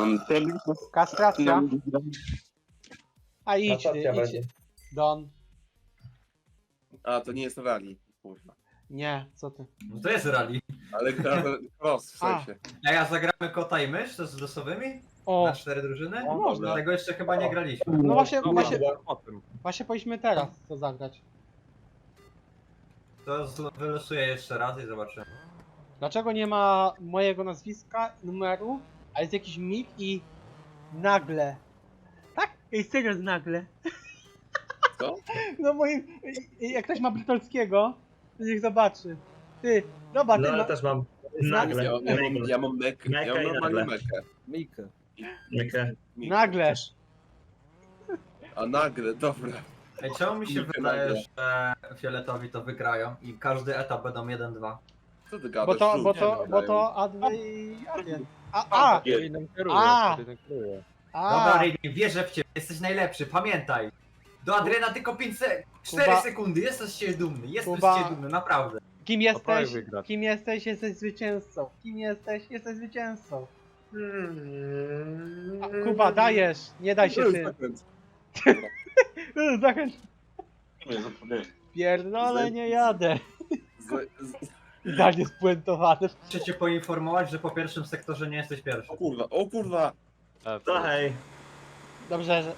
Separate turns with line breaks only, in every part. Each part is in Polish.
Kastracja. A idź ty,
Kastracja
idź.
będzie.
Don.
A, to nie jest rally. Kurwa.
Nie, co ty?
No to jest rally.
Ale cross w
A.
sensie.
Ej, a zagramy kota i mysz, to z losowymi?
O,
Na 4 drużyny?
No można.
Tego jeszcze chyba nie graliśmy.
no właśnie,
Dobra.
właśnie powinniśmy teraz to zagrać.
To wylosuję jeszcze raz i zobaczymy.
Dlaczego nie ma mojego nazwiska, numeru, a jest jakiś mig i nagle. Tak? Ej, serio nagle.
Co?
No moim, jak ktoś ma brytolskiego, to niech zobaczy. Ty, zobacz,
No
ty,
ja też mam. Nagle.
Ja mam mekę. Ja
Meka
mam
i
normalnie
nagle.
mekę.
Mikę.
Mekę.
nagle.
A nagle, dobra.
Ej, czemu mi się
Nikt
wydaje,
nagle.
że fioletowi to wygrają i każdy etap będą 1-2?
Co ty gadasz?
Bo to, bo
Żółci
to, bo
wydają.
to Adwy i Adrian. A,
Rynem kieruje,
A!
Rynem kieruje.
Dobra,
a,
Rydim, wierzę w ciebie, jesteś najlepszy, pamiętaj. Do Adriana tylko 4
Kuba-
sekundy, jesteś z ciebie dumny, jesteś
Kuba-
z ciebie dumny, naprawdę.
kim
tak
jesteś?
wygrać.
Kim jesteś? Jesteś zwycięzcą. Kim jesteś? Jesteś zwycięzcą. A, Kuba, dajesz, nie daj się ty.
Zakręt.
Zachęć. Pierdolę, nie jadę. Zdanie spuentowane.
Chcę cię poinformować, że po pierwszym sektorze nie jesteś pierwszy.
O kurwa, o kurwa.
To hej.
Dobrze, że...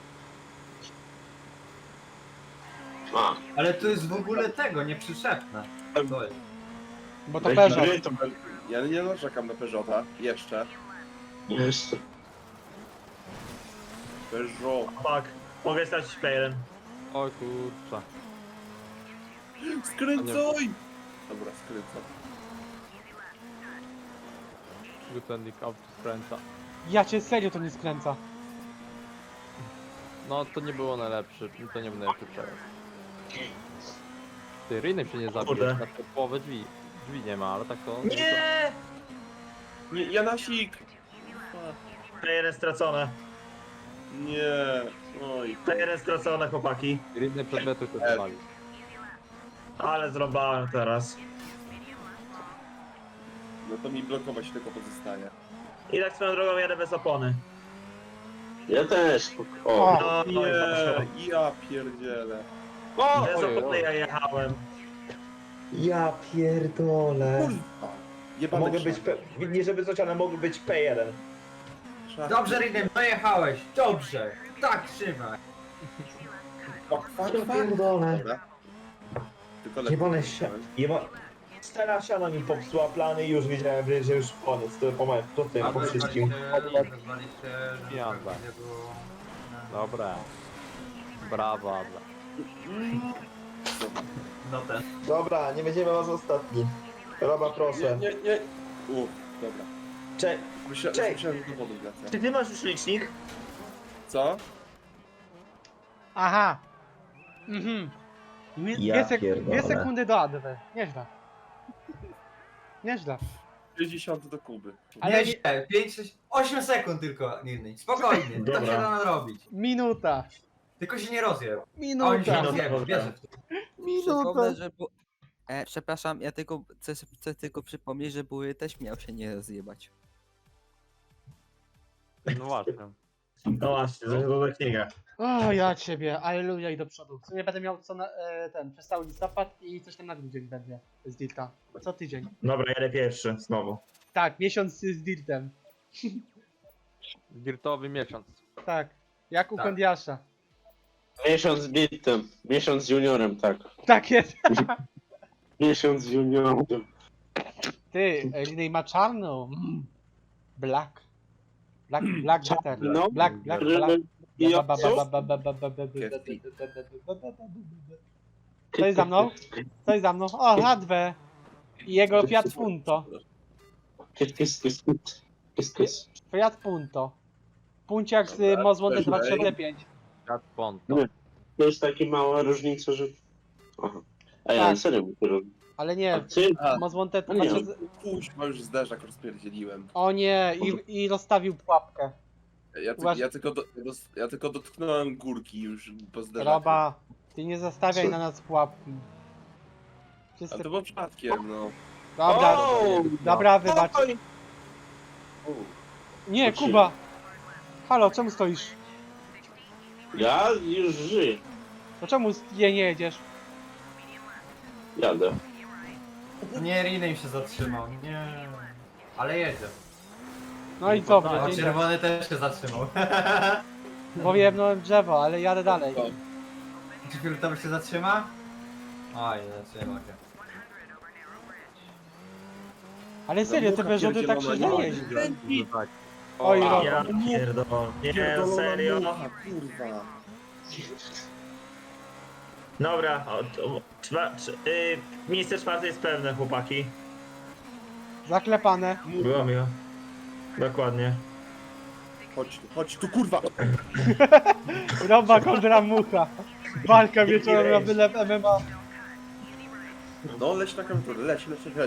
Ale to jest w ogóle tego, nieprzyczepne. To jest.
Bo to Peugeot.
Ja nie doczekam na Peugeota. Jeszcze.
Jeszcze.
Peugeot.
Fuck. Mogę stracić playerem.
Oj kurczę.
Skręcaj! Dobra, skręcam.
Gutennik auto skręca.
Ja cię serio to nie skręca.
No to nie było najlepszy, to nie był najlepszy przejazd. Ty, Rynem się nie
Kurde.
zabijesz, na przykład połowę drzwi. Drzwi nie ma, ale tak to...
Nie!
Nie, Janasik!
Playery stracone.
Nie. Oj.
Playery stracone, chłopaki.
Rynem przedmiotu to zawali.
Ale zrobałem teraz.
No to mi blokować tylko pozostaje.
I tak swoją drogą jadę bez opony.
Ja też.
O.
No, no i poszło.
Nie, ja pierdzielę.
Bez
ojej,
opony
ojej.
ja jechałem.
Ja pierdolę.
Kurwa. Jebane
Mogę być, nie żeby coś, ale mogę być P1.
krzaki.
Dobrze, Rydim, dojechałeś, dobrze. Tak, trzymaj.
Fuck, fuck,
Ja
fuck.
pierdolę.
Dobra. Tylko lepiej.
Jebane Stara siana mi popsuła plany i już wiedziałem, że już koniec. To po tym, po wszystkim.
Jazda. Dobra. Brawo, Adla.
No ten.
Dobra, nie będziemy was ostatni. Roba, proszę.
Nie, nie, nie. Dobra.
Cześć.
Myślałem, że do wody wlecę.
Czy ty masz już licznik?
Co?
Aha. Mhm.
Ja
Dwie
pierdolę.
sekundy do Adwy. Nieźle. Nieźle.
60 do Kuby.
Ale
Ale nie, 5, 6, 8 sekund tylko, Nirny. Spokojnie, to
Dobra.
się da nadrobić.
Minuta.
Tylko się nie rozjeb. On się
Minuta.
rozjebie, wierzę w to.
Minuta.
Przypomnę, że przepraszam, ja tylko chcę tylko przypomnieć, że były też miał się nie rozjebać.
No właśnie.
No właśnie, to kniga.
O, ja ciebie, aleluja i do przodu. Co nie będę miał co na, przez cały listopad i coś tam na grudzień będzie z Dirta. Co tydzień.
Dobra, jadę pierwszy, znowu.
Tak, miesiąc z Dirtem.
Dirtowy miesiąc.
Tak, jak u
Tak.
Kondiasza.
Miesiąc z bitem, miesiąc z juniorem, tak.
Tak jest.
Miesiąc z juniorem.
Ty, Linej ma czarną. Black. Black better.
No.
Black.
I
Co jest za mną? Co jest za mną? O, Hadwe. I jego Fiat Punto.
Kis.
Fiat Punto. Punciak z Mozwonte 2005.
Jak ponto.
To jest taka mała różnica, że... Aha. A ja
Tak.
serio mówię.
Ale
A
nie,
ty?
Mozwonte
No nie.
2000...
Kuźma, już zderzak rozpierdzieliłem.
O nie, i rozstawił pułapkę.
Ja tylko dotknąłem górki już po zderzaku.
Roba, ty nie zostawiaj na nas pułapki.
A
Wszyscy...
to było przypadkiem, no.
Dobra,
O!
dobra, wybacz.
Oj!
Nie, Kuba! Halo, czemu stoisz?
Ja już żyję.
To czemu nie jedziesz?
Jadę.
Nie, Rinem się zatrzymał, nie. Ale jedzie.
No i co,
O,
będzie?
czerwony też się zatrzymał.
Bo jebnąłem drzewo, ale jadę dalej.
Czy fioletowy się zatrzyma? Oj, zatrzyma się.
Ale serio, te beżody tak się nie jeździ.
Tak.
Oj,
a,
Robo.
Ja pierdolę. Nie, serio.
Kurwa.
Dobra, miejsce czwarte jest pewne, chłopaki.
Zaklepane.
Było miło. Dokładnie.
Chodź tu, kurwa!
Roba kontra mucha. Walka wieczorem na wylew MMA.
No, leć na klawiaturę, leć.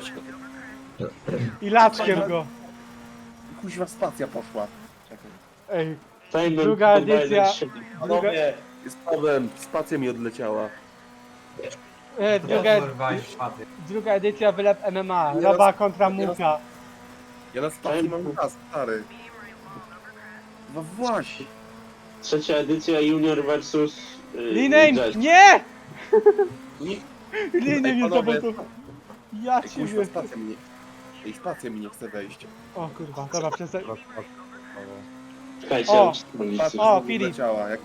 I laczkiem go.
Kuźwa, spacja poszła. Czekaj.
Ej,
Timer
Druga
podaje
edycja.
na siebie.
Panowie, jest problem, spacja mi odleciała.
Kurwa, i szpaty.
druga edycja wylew MMA. Roba kontra mucha.
Ja na spacji mam czas, stary. No właśnie.
Trzecia edycja Junior versus...
Linejm!
Jazz.
Nie!
Nie.
Linejm
Ej,
jest
panowie.
zamontował. Ja
Ej,
ci
kuźwa,
wiem.
spacja mi nie chce wejść.
O kurwa, dobra, przestań.
Czekajcie,
O!
mam czytelnicy.
O, Filip.
Odleciała, jak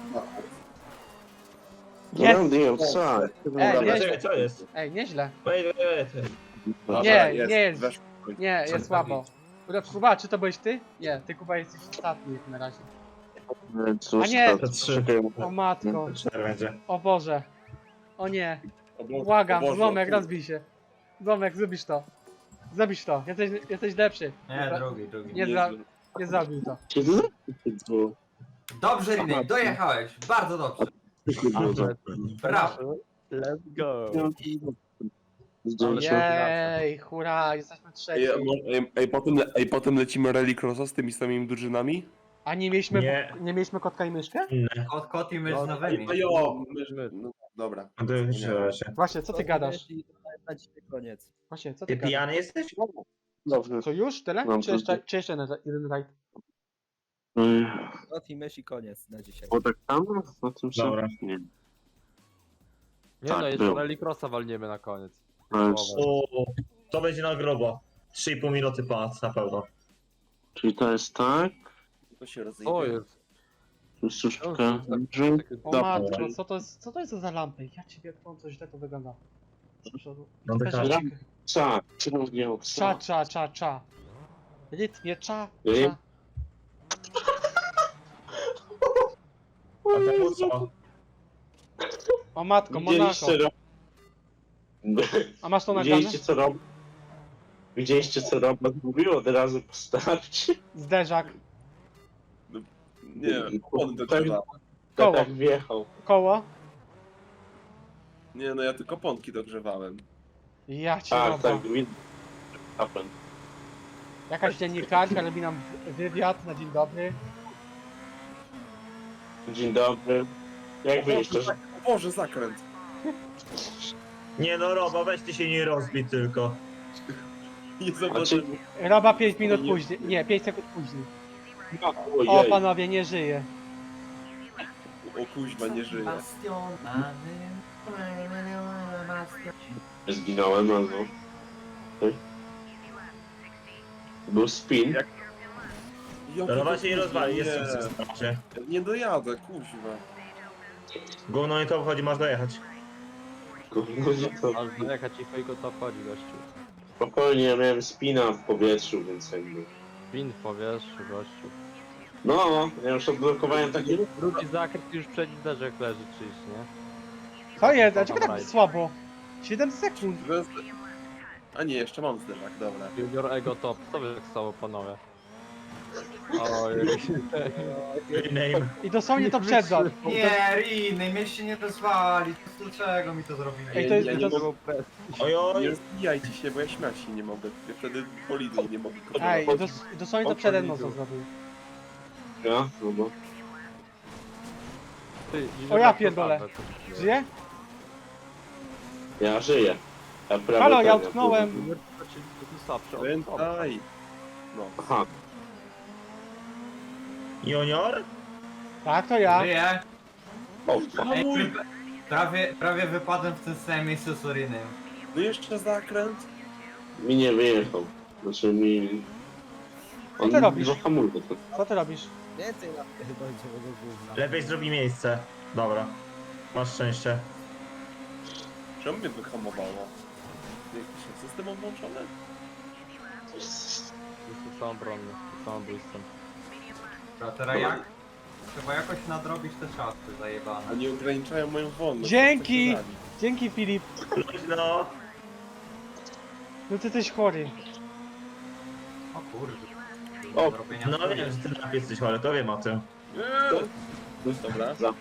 Jest!
Round outside.
Ej,
Dobra,
nieźle.
czekaj, co jest?
Ej, nieźle.
Wait.
Dobra,
Nie, nie jest.
Weszło.
Nie, jest słabo. Kuba, czy to byłeś ty? Nie, ty Kuba jesteś ostatni jak na razie.
Cóż,
A nie.
to
Trzy.
czekaj.
O matko,
Cztery będzie.
o Boże. O nie,
O Boże,
błagam,
o Boże,
Złomek,
kurwa.
rozbij się. Złomek, zrobisz to. Zrobisz to, jesteś lepszy.
Nie, drugi.
Nie, nie zrobił to.
Czy to za-
Dobrze, Rinem, dojechałeś. Bardzo dobrze. Brawo.
Let's go.
Jej, hurra, jesteśmy trzeci.
Potem lecimy rallycrossa z tymi samymi drużynami?
A nie
Nie.
mieliśmy kotka i myszkę?
Inne.
Kot i mysz z nowymi.
No jo, no, dobra.
No to już się.
Właśnie, co ty gadasz?
Na dzisiaj koniec.
Właśnie, co ty
Ty
gadasz?
pijany jesteś?
Dobrze.
Co już? Tyle?
Mam
Czy jeszcze jeden rajd?
Kot i mysz i koniec na dzisiaj.
Było tak samo? Na tym
Dobra.
samym? Nie.
Nie
Tak,
no, jeszcze
był.
rallycrossa walniemy na koniec.
Ale-
O, to będzie na grobo. 3,5 minuty ponad na pewno.
Czyli to jest tak.
To się
O
rozejdzie.
jest.
Tu jest troszeczkę
O,
niżej.
O
Dobra.
matko, co to jest za lampy? Ja ci wiem, coś źle to wygląda. Z przodu.
No taka-
Weź-
Cza, czy mówię
Cza. Rytmie cza.
Rytm?
A to co?
O matko, Monako.
Widzieliście,
A masz to nagrane?
Widzieliście co robot mówił od razu po starcie?
Zderzak.
Nie, on dogrzewa.
Koło.
Tak wjechał.
Koło.
Nie, no ja tylko pątki dogrzewałem.
Ja cię
Tak,
robię.
tak, widzę. Happen.
Jakaś dziennikarka robi nam wywiad na dzień dobry.
Dzień dobry. Jak wyjście, że...
O Boże, zakręt.
Nie no, Roba, weź ty się nie rozbij tylko.
Nie
Znaczy,
zobaczyłem.
Roba 5 minut później. Nie, 5 sekund później. O
ojej,
panowie, nie żyje.
O kuźma, nie żyje.
zginąłem albo... Był spin.
Jak-
Roba się nie rozwali, jest
Nie.
sukces na razie.
Nie dojadę, kuźwa.
Gówno i to wchodzi, masz dojechać.
Kurwa, to
Masz dojechać i twojego to wchodzi gościu.
spokojnie, ja miałem spina w powietrzu, więc jakby...
Pin w powietrzu gościu.
No, ja już odblokowałem taki...
Drugi zakręt już przed deszek leży czyś, nie?
Co jest? Dlaczego tak słabo? 7 sekund.
A nie, jeszcze mam zderzak, dobra.
Junior Ego Top, co wy tak stało panowie? Oj,
Name.
I dosłownie to przedzał.
Nie, Rinem, mnie się nie rozwali. Dlaczego mi to zrobili?
Ej, to jest...
Ja
to
nie
jest-
mogę,
Ojoj.
nie rozbijajcie się, bo ja śmiać się nie mogę. Ja wtedy polidu nie mogę
Ej,
kontrolować.
dosłownie to przede mną co zrobił.
Ja, no bo...
ty,
O ja pierdolę. Żyje?
Ja żyję. Ja prawie
Halo, ja
tak,
utknąłem.
Junior to ci tu słabszy od
Pamiętaj. No.
Aha,
Junior?
Tak, to ja.
Żyję.
O,
Ej, prawie wypadłem w tym samym miejscu z Urinem.
No jeszcze zakręt.
mi nie wyjechał. Znaczy mi...
Co ty robisz?
zahamuje to.
Co ty robisz?
Więcej na dojdziowego gówna.
Lepiej zrobi miejsce. Dobra. Masz szczęście.
Czemu mnie wyhamowało? Jakiś system włączony?
Jestem samobronny, samobójstwem.
A teraz jak? Trzeba jakoś nadrobić te czasy zajebane.
Oni ograniczają moją wolność.
Dzięki!
Tak się zali.
Dzięki, Filip.
No.
No ty jesteś chory.
O kurde.
O,
Do robienia
No
sobie.
wiem, że ty najpierw jesteś chory, to wiem o tym.
Dobra.
Za.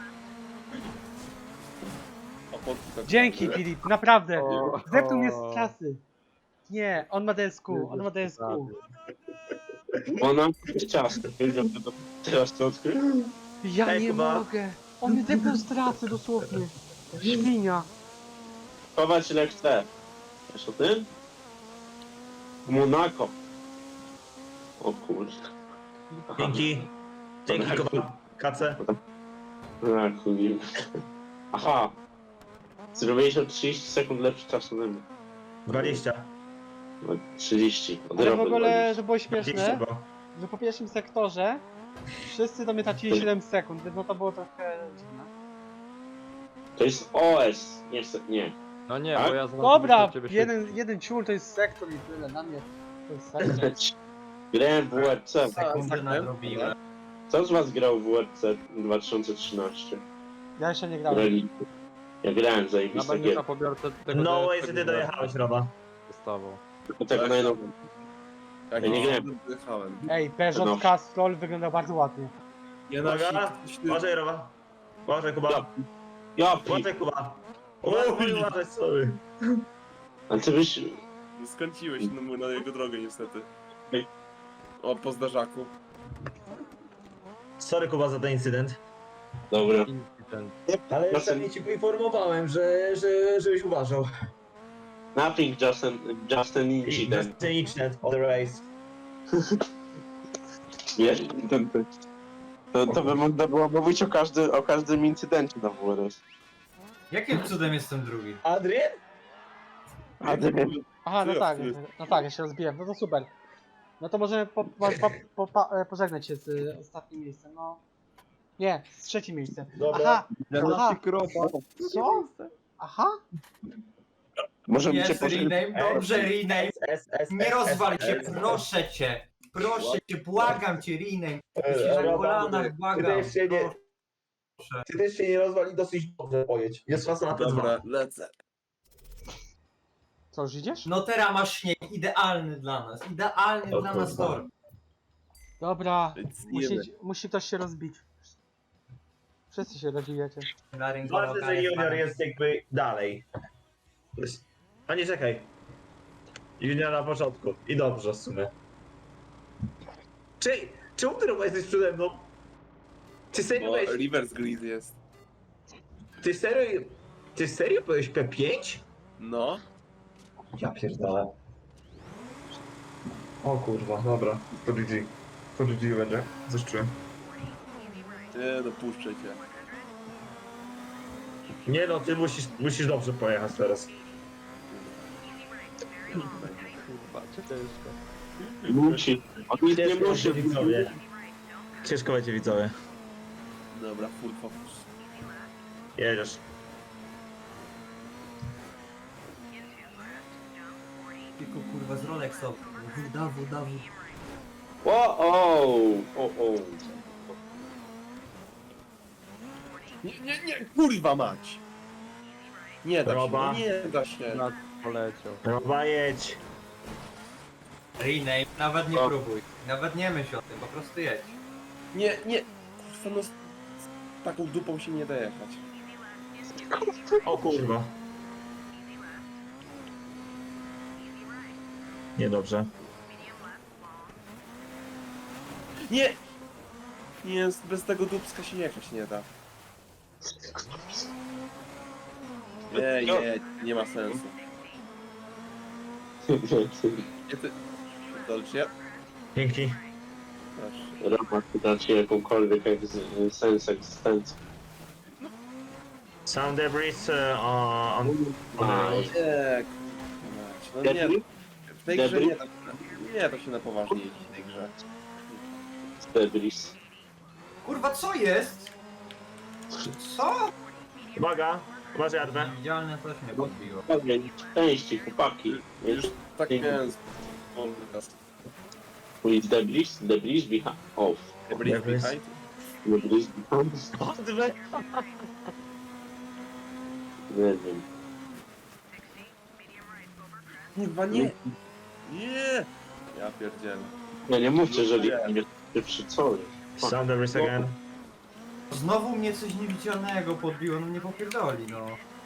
Dzięki, Filip, naprawdę.
O,
Zepnął mnie
o.
z trasy. Nie, on ma DSQ, on ma DSQ.
Ona ciasto. Teraz to odkrył.
Ja
Ej,
nie
Kuba.
mogę. On mnie zepnął z trasy dosłownie. Świnia.
Chować ile chce. Wiesz o tym? Monako. O kurde. Aha.
Dzięki. Dzięki, Kuba. Kace.
Tak, nie. Aha. Zrobiliśmy 30 sekund lepszy czas ode mnie.
20.
No, 30. Od
Ale w
razu
ogóle,
20.
że było
20,
śmieszne,
bo.
że po pierwszym sektorze wszyscy do mnie tracili 7 sekund, więc no to było trochę dziwne.
To jest OS. Nie, nie.
No nie,
Tak?
bo ja znam
Dobra,
ciebie
jeden ciul to jest sektor i tyle, na mnie to jest sektor.
Grałem w WRC.
Sekundy nadrobiłem.
Kto z was grał w WRC 2013?
Ja jeszcze nie grałem.
Grali. Ja grałem
Na
zajebiste
będzie na
gier.
pobiorce tego
No,
DS
jeszcze ty dojechałeś, Roba.
Wystawą.
Do tego najnowszego.
Jak
Ja nie
nie
grałem.
wyjechałem.
Ej, Peugeot Castrol wygląda bardzo ładnie.
Ja
Uwaga. Uważaj, Roba. Uważaj, Kuba.
Ja
Uważaj, Kuba. Uważaj, uważaj, sorry.
A ty byś...
Skręciłeś na jego drogę niestety.
Ej.
O, po zdarzaku.
Sorry, Kuba, za ten incydent.
Dobra.
Incydent.
Ale
Czasem-
jeszcze ci poinformowałem, żebyś uważał.
Nothing, just an incident.
Just an incident on the race.
Wiesz? To by można było mówić o każdym incydencie na WRS.
Jakim cudem jestem drugi?
Adrian?
A ty nie.
Aha,
Ty,
no tak, ja się rozbiłem, no to super. No to możemy pożegnać się z ostatnim miejscem, no. Nie, z trzecim miejscem.
Dobra.
Aha, co? Aha?
Możemy cię
Jest rename, dobrze rename. Nie rozwal się, proszę cię. Proszę cię, błagam cię, rename. Jesteś na kolanach, błagam. Proszę.
Ty też się nie rozwali dosyć dobrze pojedź. Jest szansa na te dwa.
Dobra, lecę.
Co, już idziesz?
No teraz masz śnieg, idealny dla nas, idealny
O
dla nas
kurwa.
tor.
Dobra,
Zjemy.
musi ktoś się rozbić. Wszyscy się rozwijecie.
Ważne, że junior jest jakby dalej. A nie, czekaj. Junior na początku. I dobrze w sumie. Czemu ty Roba jesteś przede mną? Ty serio
Bo
byłeś...
reverse grid jest.
Ty serio byłeś P5?
No.
Ja pierdolę. O kurwa, dobra. To GG. To GG będzie. Coś czułem.
Nie, dopuszczę cię.
Nie no, ty musisz dobrze pojechać teraz.
Kurwa, ciężko.
Musi. On nic nie
Ciężko
musi.
będzie widzowie. Ciężko będzie widzowie.
Dobra, full focus.
Jedziesz.
Tylko kurwa z Rolexą. Dawu.
O.
Nie, kurwa mać! Nie da
Roba.
się, nie da się.
Na poleciał.
Roba, jedź.
Rename, nawet nie
O.
próbuj. Nawet nie myśl o tym, po prostu jedź.
Nie. Kurwa, no z taką dupą się nie da jechać.
O kurwa. Niedobrze.
Nie! Nie, bez tego dupska się jechać nie da. Nie ma sensu. Nie ty... Dolcie?
Dzięki.
Proszę.
Roma dacie jakąkolwiek sens egzystencji.
Sound debris on...
A,
Nie, no nie,
Debris?
w tej grze
Debris?
nie da się na poważnie jeździć w tej grze.
Debris.
Kurwa, co jest? Co?
Uwaga, uważaj Adwe.
Widzialne coś mnie podbiło.
Pewnie, części, chłopaki.
Już tak miałem z...
With debris behind. Off.
Debris
Debris.
behind.
Debris behind.
Adwe!
Nie wiem.
Kurwa, nie! Nie! Ja pierdzielę.
Nie mówcie, że nie pierwszy co jest.
Sound debris again.
Znowu mnie coś niewidzialnego podbiło, no mnie popierdoli, no.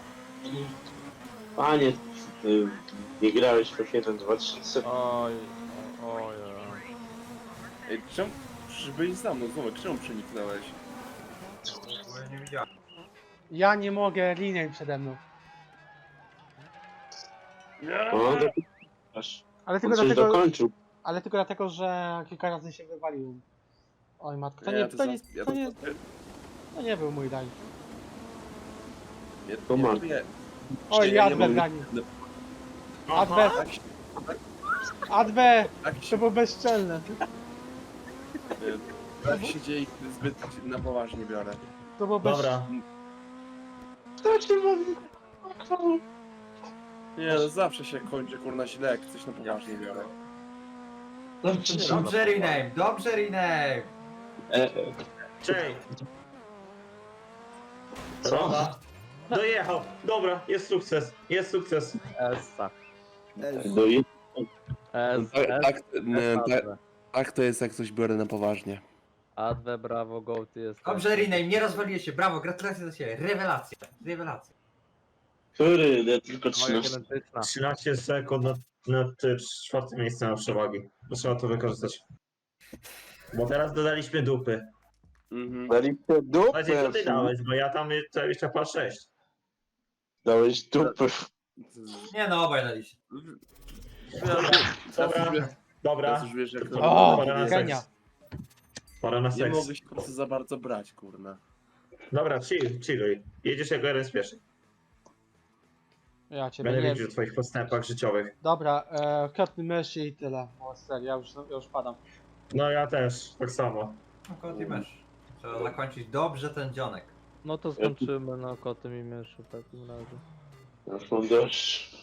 Panie, nie grałeś w 1, 2, 3, 4.
Oj, oj,
Ej, czemu... Przecież byłeś za mną, znowu, czemu przeniknąłeś?
Bo ja nie widziałem.
Ja nie mogę, linia przede mną.
No, aż
Ale
on
tylko
coś
dlatego,
dokończył.
ale tylko dlatego, że kilka razy się wywaliłem. Oj matko,
Ja
to nie był mój dań.
To ma.
Oj,
Ja nie
Adwe
mogę-
dań. Adwe, Adwe,
Tak
to
się,
było bezczelne.
tak się dzieje, zbyt na poważnie biorę.
To było
Dobra.
To cię mówi.
Nie, no zawsze się kończy kurna źle, jak coś na poważnie biorę.
Dobrze rename, dobrze rename!
Czej.
Co?
Roba. Dojechał. Dobra, jest sukces. Jest sukces.
Essa.
Do je...
Tak to jest, jak coś biorę na poważnie.
Adwe, brawo, go, ty jesteś.
Dobrze rename, nie rozwaliłeś się, brawo, gratulacje do ciebie, rewelacja, rewelacja.
Który? Ja tylko
Moja
13.
genetyczna.
13 sekund na te czwarte miejsce na przewagi. To trzeba to wykorzystać. Bo teraz dodaliśmy dupy.
Mhm.
Daliście
Bardziej to ty
dupę.
dałeś, bo ja tam jeszcze pa 6.
Dałeś dupę.
Nie no, obaj daliście.
Dobra, dobra.
Teraz już wiesz, jak to
O,
Pora na
Kenia.
seks. Pora na
Nie
seks.
mogę się po prostu za bardzo brać, kurna.
Dobra, chilluj. Jedziesz jako jeden z pierwszych.
Ja cię
Będę
nie
wiedział o twoich postępach życiowych.
Dobra, kropny myszy i tyle. O, serio, ja już padam.
No ja też, tak samo.
No, kot i mysz. Trzeba zakończyć dobrze ten dzionek.
No to skończymy na kotem i myszy w takim razie.
Już mam dość.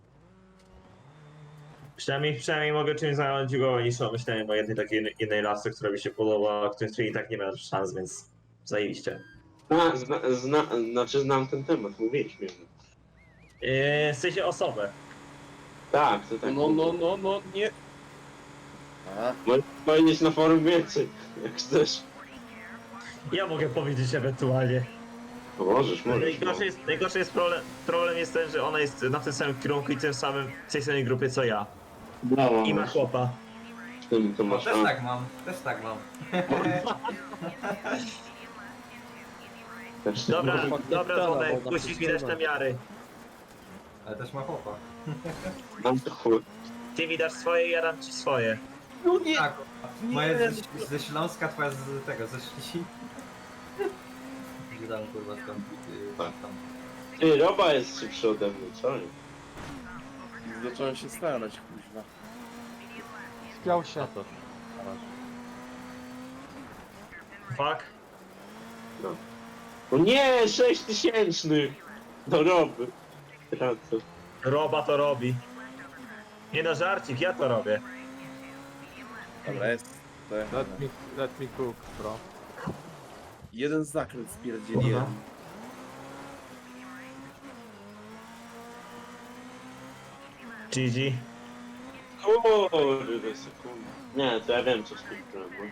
Przynajmniej mogę czymś zająć głowę niż o myśleniu o jednej takiej innej lasce, która mi się podoba, a której i tak nie miałem szans, więc zajebiście.
Znaczy znam ten temat, mówiliśmy.
W sensie osobę.
Tak, to tak.
No, nie. A,
Możesz powiedzieć na forum więcej, jak chcesz.
Ja mogę powiedzieć ewentualnie.
No możesz.
Najgorszy jest problem jest ten, że ona jest na tym samym kierunku i w tej samej grupie co ja.
Brawo,
I ma
masz.
chłopa.
W tym to
No,
masz.
też tak mam, też tak mam.
Dobra,
Faktycznie
dobra,
ściana,
Złomek,
bo
musisz mi
na
dać namiary.
Ale też ma chłopa.
Mam to chuj.
Ty mi dasz swoje, ja dam ci swoje.
Tak, moje ze Śląska, twoja z tego, ze Szlici. Gdzie tam kurwa skąd tam.
Ty, Roba jest szybszy ode mnie, co?
zacząłem się starać, kuźwa.
Spiał się.
A to.
Fuck.
O nie, 6000! Do Roby. Tracę.
Roba to robi. Nie na żarcik, ja to robię.
Dobra, jest.
Let me cook, bro.
Jeden zakręt spierdzieliłem.
GG.
Kurde, sekundę. Nie, to ja wiem co z tym problem.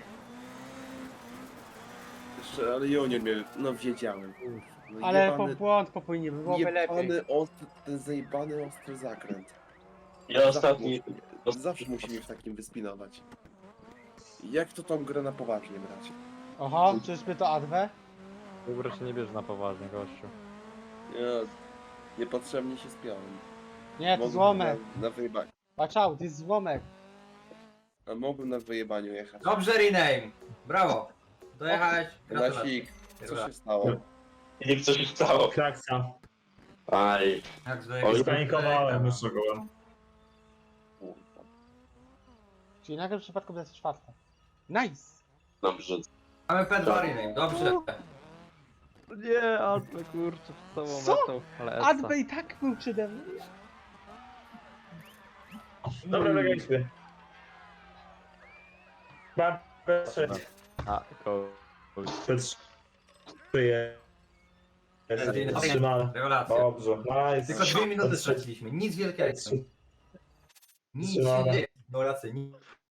Jeszcze, ale Junior mnie, no wiedziałem. No,
Ale
jebany-
błąd popełnimy, byłoby lepiej.
Jebany ostry, ten zajebany ostry zakręt.
Ja ostatni...
Zawsze musi mnie w takim wyspinować. Jak to tą grę na poważnie brać?
Oho, czyżby to Adwe?
Ugra się nie bierze na poważnie, gościu.
Ja niepotrzebnie się spiąłem.
Nie, to
Mogłem
złomek.
Na wyjebanie.
Watch out, to jest złomek.
A mógłbym na wyjebaniu jechać.
Dobrze, rename. Brawo. Dojechałeś. Gratulacje.
Lasik, co
Gratulacje.
się stało?
I co się stało?
Kraksa.
Aj,
Jak
Oj,
zwykle.
Spanikowałem już ogółem.
Kurwa.
Czyli nagle w przypadku to jest czwarta. Nice!
dobrze.
Mamy P2 rename. Dobrze.
Nie, Adme, kurczę, przed tobą
Co?
metą, ale Essa.
Adbe i tak był przede mną.
Dobra, wygraliśmy. Mam P3.
A, koło.
P3. Jest trzymane.
Rewelacja.
Dobrze, nice.
Tylko 2 minuty straciliśmy. Nic wielkiego. Nic się
Trzymane.
nie dzieje. No rację, nic